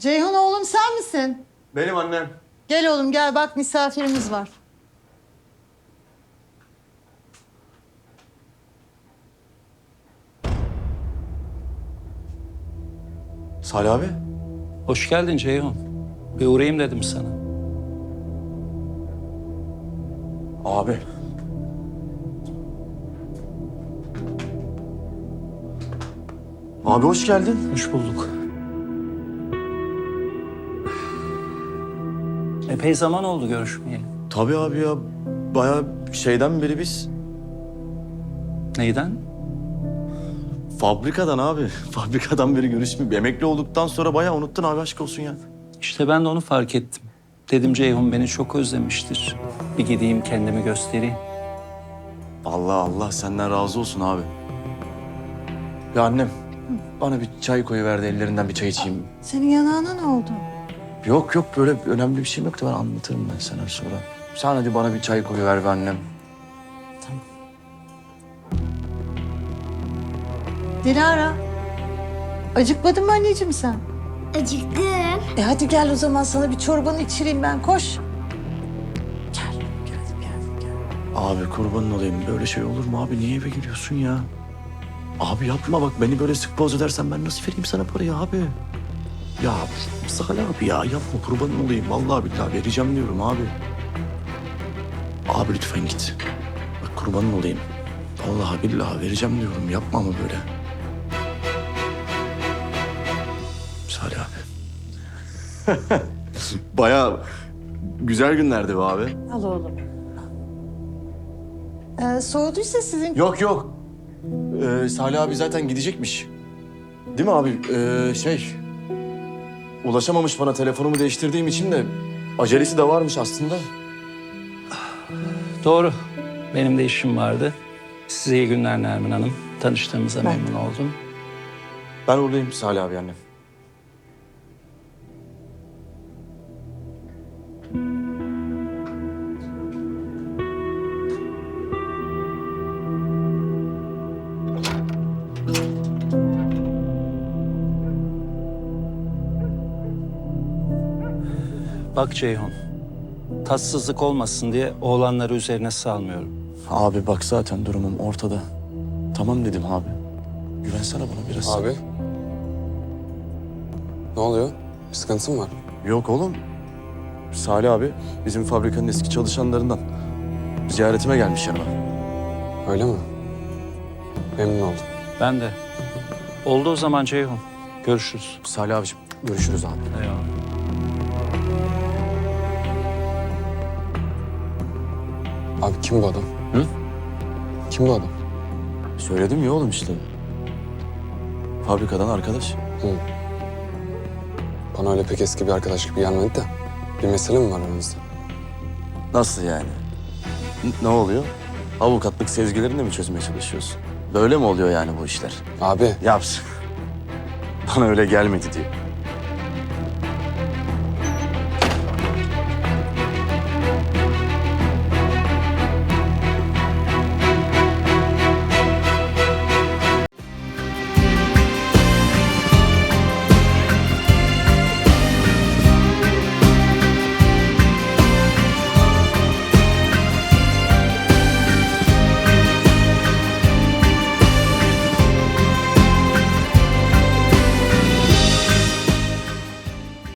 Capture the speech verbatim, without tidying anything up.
Ceyhun oğlum sen misin? Benim annem. Gel oğlum gel bak misafirimiz var. Salih abi. Hoş geldin Ceyhun. Bir uğrayayım dedim sana. Abi. Abi hoş geldin. Hoş bulduk. Epey zaman oldu görüşmeyeli. Tabii abi ya. Bayağı şeyden beri biz Neyden? fabrikadan abi. Fabrikadan beri görüşmüyor. Emekli olduktan sonra bayağı unuttun abi, aşk olsun ya. İşte ben de onu fark ettim. Dedim Ceyhun beni çok özlemiştir. Bir gideyim kendimi göstereyim. Allah Allah senden razı olsun abi. Ya annem bana bir çay koyuverdi, ellerinden bir çay içeyim. Senin yanağına ne oldu? Yok yok, böyle önemli bir şeyim yoktu, ben anlatırım ben sana sonra. Sen hadi bana bir çay koyuver be annem. Dilara. Acıkmadın mı anneciğim sen? Acıktım. E hadi gel o zaman sana bir çorbanı içireyim ben koş. Gel gel gel gel. Abi kurbanın olayım, böyle şey olur mu abi? Niye eve giriyorsun ya? Abi yapma bak, beni böyle sık boğaz edersen ben nasıl vereyim sana parayı abi? Ya Salih abi ya, yapma kurbanın olayım. Vallahi billahi vereceğim diyorum abi. Abi lütfen git. Bak kurbanın olayım. Vallahi billahi vereceğim diyorum. Yapma ama böyle. Salih abi. Bayağı güzel günlerdi be abi. Al oğlum. Ee, soğuduysa sizin... Yok yok. Ee, Salih abi zaten gidecekmiş. Değil mi abi? Ee, şey... Ulaşamamış bana, telefonumu değiştirdiğim için de acelesi de varmış aslında. Doğru. Benim de işim vardı. Size iyi günler Nermin Hanım. Tanıştığımıza Ben memnun oldum. Ben oradayım Salih abi, annem. Bak Ceyhun. Tatsızlık olmasın diye oğlanları üzerine salmıyorum. Abi bak zaten durumum ortada. Tamam dedim abi. Güvensene bana biraz. Abi. Ne oluyor? Bir sıkıntı mı var? Yok oğlum. Salih abi bizim fabrikanın eski çalışanlarından. Ziyaretime gelmiş yanıma. Öyle mi? Memnun oldum. Ben de. Oldu o zaman Ceyhun. Görüşürüz. Salih abiciğim görüşürüz abi. Eyvallah. Abi kim bu adam? Hı? Kim bu adam? Söyledim ya oğlum işte. Fabrikadan arkadaş. Hı. Bana öyle pek eski bir arkadaş gibi gelmedi de. Bir mesele mi var aranızda? Nasıl yani? N- ne oluyor? Avukatlık sezgilerini de mi çözmeye çalışıyorsun? Böyle mi oluyor yani bu işler? Abi Yaps. Bana öyle gelmedi diyor.